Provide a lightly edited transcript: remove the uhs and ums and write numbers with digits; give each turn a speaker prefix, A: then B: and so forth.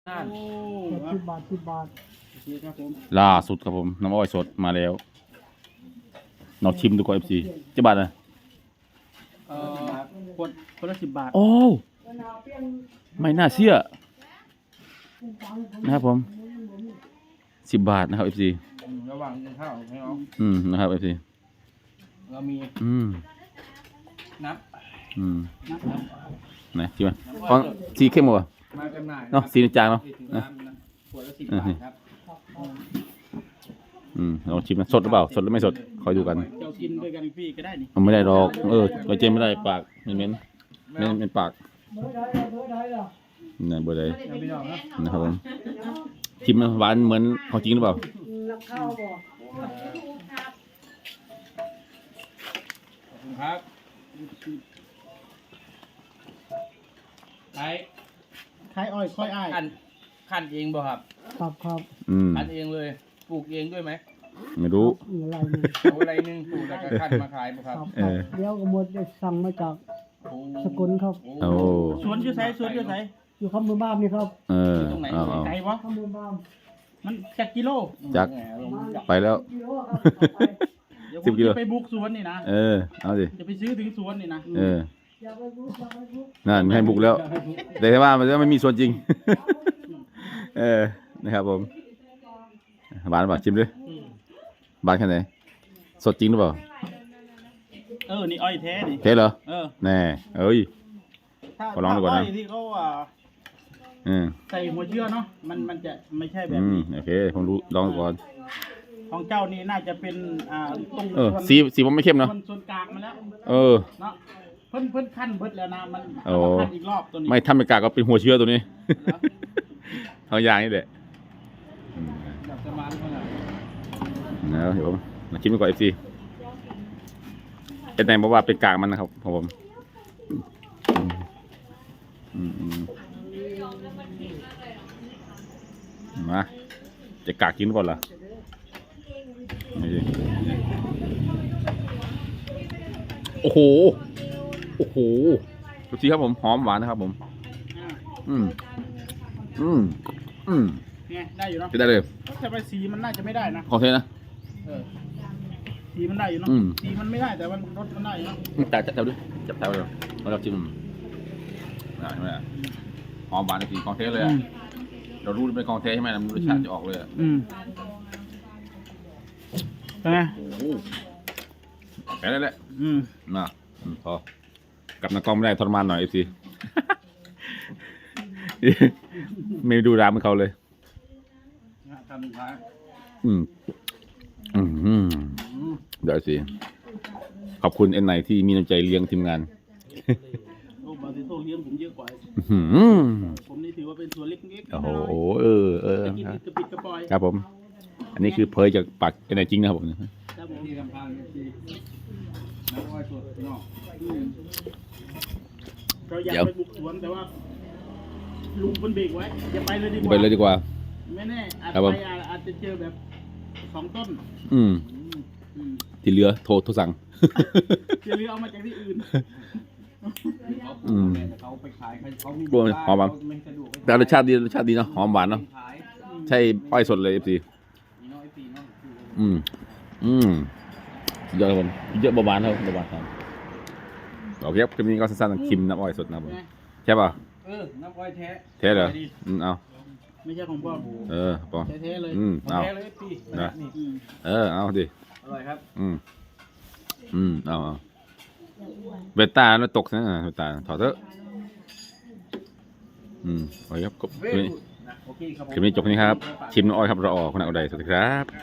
A: โอ้
B: 10 บาท
A: โอเคครับผม
C: ล่าสุดครับผมน้ำอ้อยสดมาแล้วลองชิมดูก่อน FC จะบาทนะ
A: คนละ10 บาท
C: โอ้ไม่น่าเชื่อนะครับผม10 บาทนะครับ FC
A: ระหว่างกินข้าวให้น้อง
C: นะครับ FC
A: เรามี น้ำ
C: ไหนชิมมาอ๋อสีเข้มกว่า
A: มาจำหน่าย
C: เนาะสีจางเนาะ
A: ขวดละ10 บาทครับ
C: ลองชิมนะสดหรือเปล่าสดหรือไม่สดคอยดูกัน
A: เจ้ากินด้วยกันพี่ก็ได้นี่
C: มันไม่ได้หรอกไว้เจมไม่ได้ปากเหม็นเป็นปากนี่เบอร์ใด
A: พี่น้องนะ
C: นะครับผมชิมนะหวานเหมือนของจริงหรือเปล่า
B: นักข้าวบ่
A: ขอบคุณครับขายอ้อยค่อยอ้ายขั้นเองบ่ครับ
B: ครับ
A: ขั้นเองเลยปลูกเองด้วยไหม
C: ไม่รู้
B: อะไรนี่
A: เอาอะไรหนึงปลูกแล้วก็ขั้นมาขายบ่ครับ
B: เดี๋ยวก็หมดได้สั่งมาจากสกลครับ
C: โอ้
A: สวนชื่อไสสวนชื่อไส
B: อยู่ข้างมือบ้านนี่ครับ
A: ตรงไหน
C: เอา
A: ไกลวะ
B: ข้างมือบ้าน
A: มันจักกิโล
C: จัก ไปแล้ว
B: กิโลครับเอาไป
A: เดี๋ยวผ
C: 10
A: ม
C: กิโล
A: จะไปบุกสวนนี่นะ
C: เอาสิ
A: จะไปซื้อถึงสวนนี่นะ
B: อย่าไปบุกอย่าไปบุก
C: นั่นไม่ให้บุกแล้ว แต่ว่ามันจะไม่มีส่วนจริง นะครับผมหวานหรือเปล่าชิมด้วยหวานแค่ไหนสดจริงหรือเปล่า
A: นี่อ้อยแท้นี่
C: เทเหรอ
A: เออ
C: แน่เอ้ย
A: ถ้า
C: ขอลองดูก่อนนะ
A: อ้อยที่เขา
C: อืม
A: ใส่หัวเชื้อเนาะมันจะไม่ใช่แบบนี้
C: โอเคผมรู้ลองดูก่อน
A: ของเจ้านี่น่าจะเป็นตรง
C: สีผมไม่เข้มเนาะ
A: ส่วนกลางมาแล้ว
C: เออ
A: เนาะเพิ่นขั้นเบิดแล้วนะมัน
C: โอ้
A: เอามาขั้นอีกรอบตัวนี้
C: ไม่ทำเป็นกากก็เป็นหัวเชื้อตัวนี้ ทางยางนี่แหละ
A: แบบประมาณนั้น
C: นะเดี๋ยวผมมาชิมดูก่อน FC เป็นแตงบอกว่าเป็นกากมันนะครับของผมมาจะกากกินก่อนเหรอนี่ดิโอ้โหดูสิครับผมหอมหวานนะครับผม
A: ไงได้อยู่เนาะ
C: จะได้เลย
A: แต่ไปสีมันน่าจะไม่ได้นะ
C: ขอเทนะ
A: สีมันได้อยู่เนาะ สีมันไม่ได้แต่มันรสมันได้อยู่เนาะ
C: จับแถวด้วยจับแถวเลยแล้วเราจิ้มใช่ไหมหอมหวานจริงของเทเลยเรารู้เป็นของเทใช่ไหมมันรสชาติจะออกเลย
A: เป็นไง
C: แค่นั้นแหละ
A: น่ะ
C: พอกับนักกล้องไม่ได้ทรมานหน่อยสิ ไม่ดูร้านเหมือนเขาเลย
A: ทำสุดท้าย
C: เดี๋ยวสิขอบคุณเอ็นไนที่มีน้ำใจเลี้ยงทีมงาน
A: โอ้บาติโต้เลี้ยงผมเยอะกว่าผมนี่ถือว่าเป็นส่วนเล็กๆ
C: โอ้โห
A: จะกินกระปิดกระปอย
C: ครับผม อันนี้คือเผยจากปากเอ็นไนจริงนะครับผม
A: ครับผมที่ทำทางที่น้ำอ้อยสดเนาะเราอยากไปบุกสวนแต่ว่าลุงคนเบรกไว้อย่าไปเลยดีกว่า
C: ไปเลยดีกว่า
A: ไม่แน่อาจ
C: ครับผม
A: ไปอาจจะเจอแบบ2 ต้น
C: ที่เหลือโทรสั่ง
A: จะเรือเอามาจากที่อื่นเขาไปขายเขามี
C: กลัวหอมหวาน
A: ไม่สะดวก
C: แต่รสชาติดีเนาะหอมหวานเนาะ
A: ขาย
C: ใช่อ้อยสดเลย FC
A: มีน้อยปีน้อย
C: สุดยอดครับผมเยอะเบาๆครับเบาๆครับโอเคครับคลิปนี้ก็สั้นๆชิมน้ำอ้อยสดนะครับผมใช่ป่ะ
A: น้ำอ้อยแท้
C: เทเหรอเอา
A: ไม่ใช่ของพ่อ
C: ปอ
A: แท้ๆเลย
C: เอา
A: แท้เลยพี่
C: นะ
A: นี่
C: เอาดิ
A: อร่อยครับ
C: เอาเบต้าแล้วตกนะเบต้าถอดเถอะโอเคครับ
A: เว้ยนะโอเคครับผม
C: คลิปนี้จบนี้ครับชิมน้ำอ้อยครับรอออกคุณอาอุไดสวัสดีครับ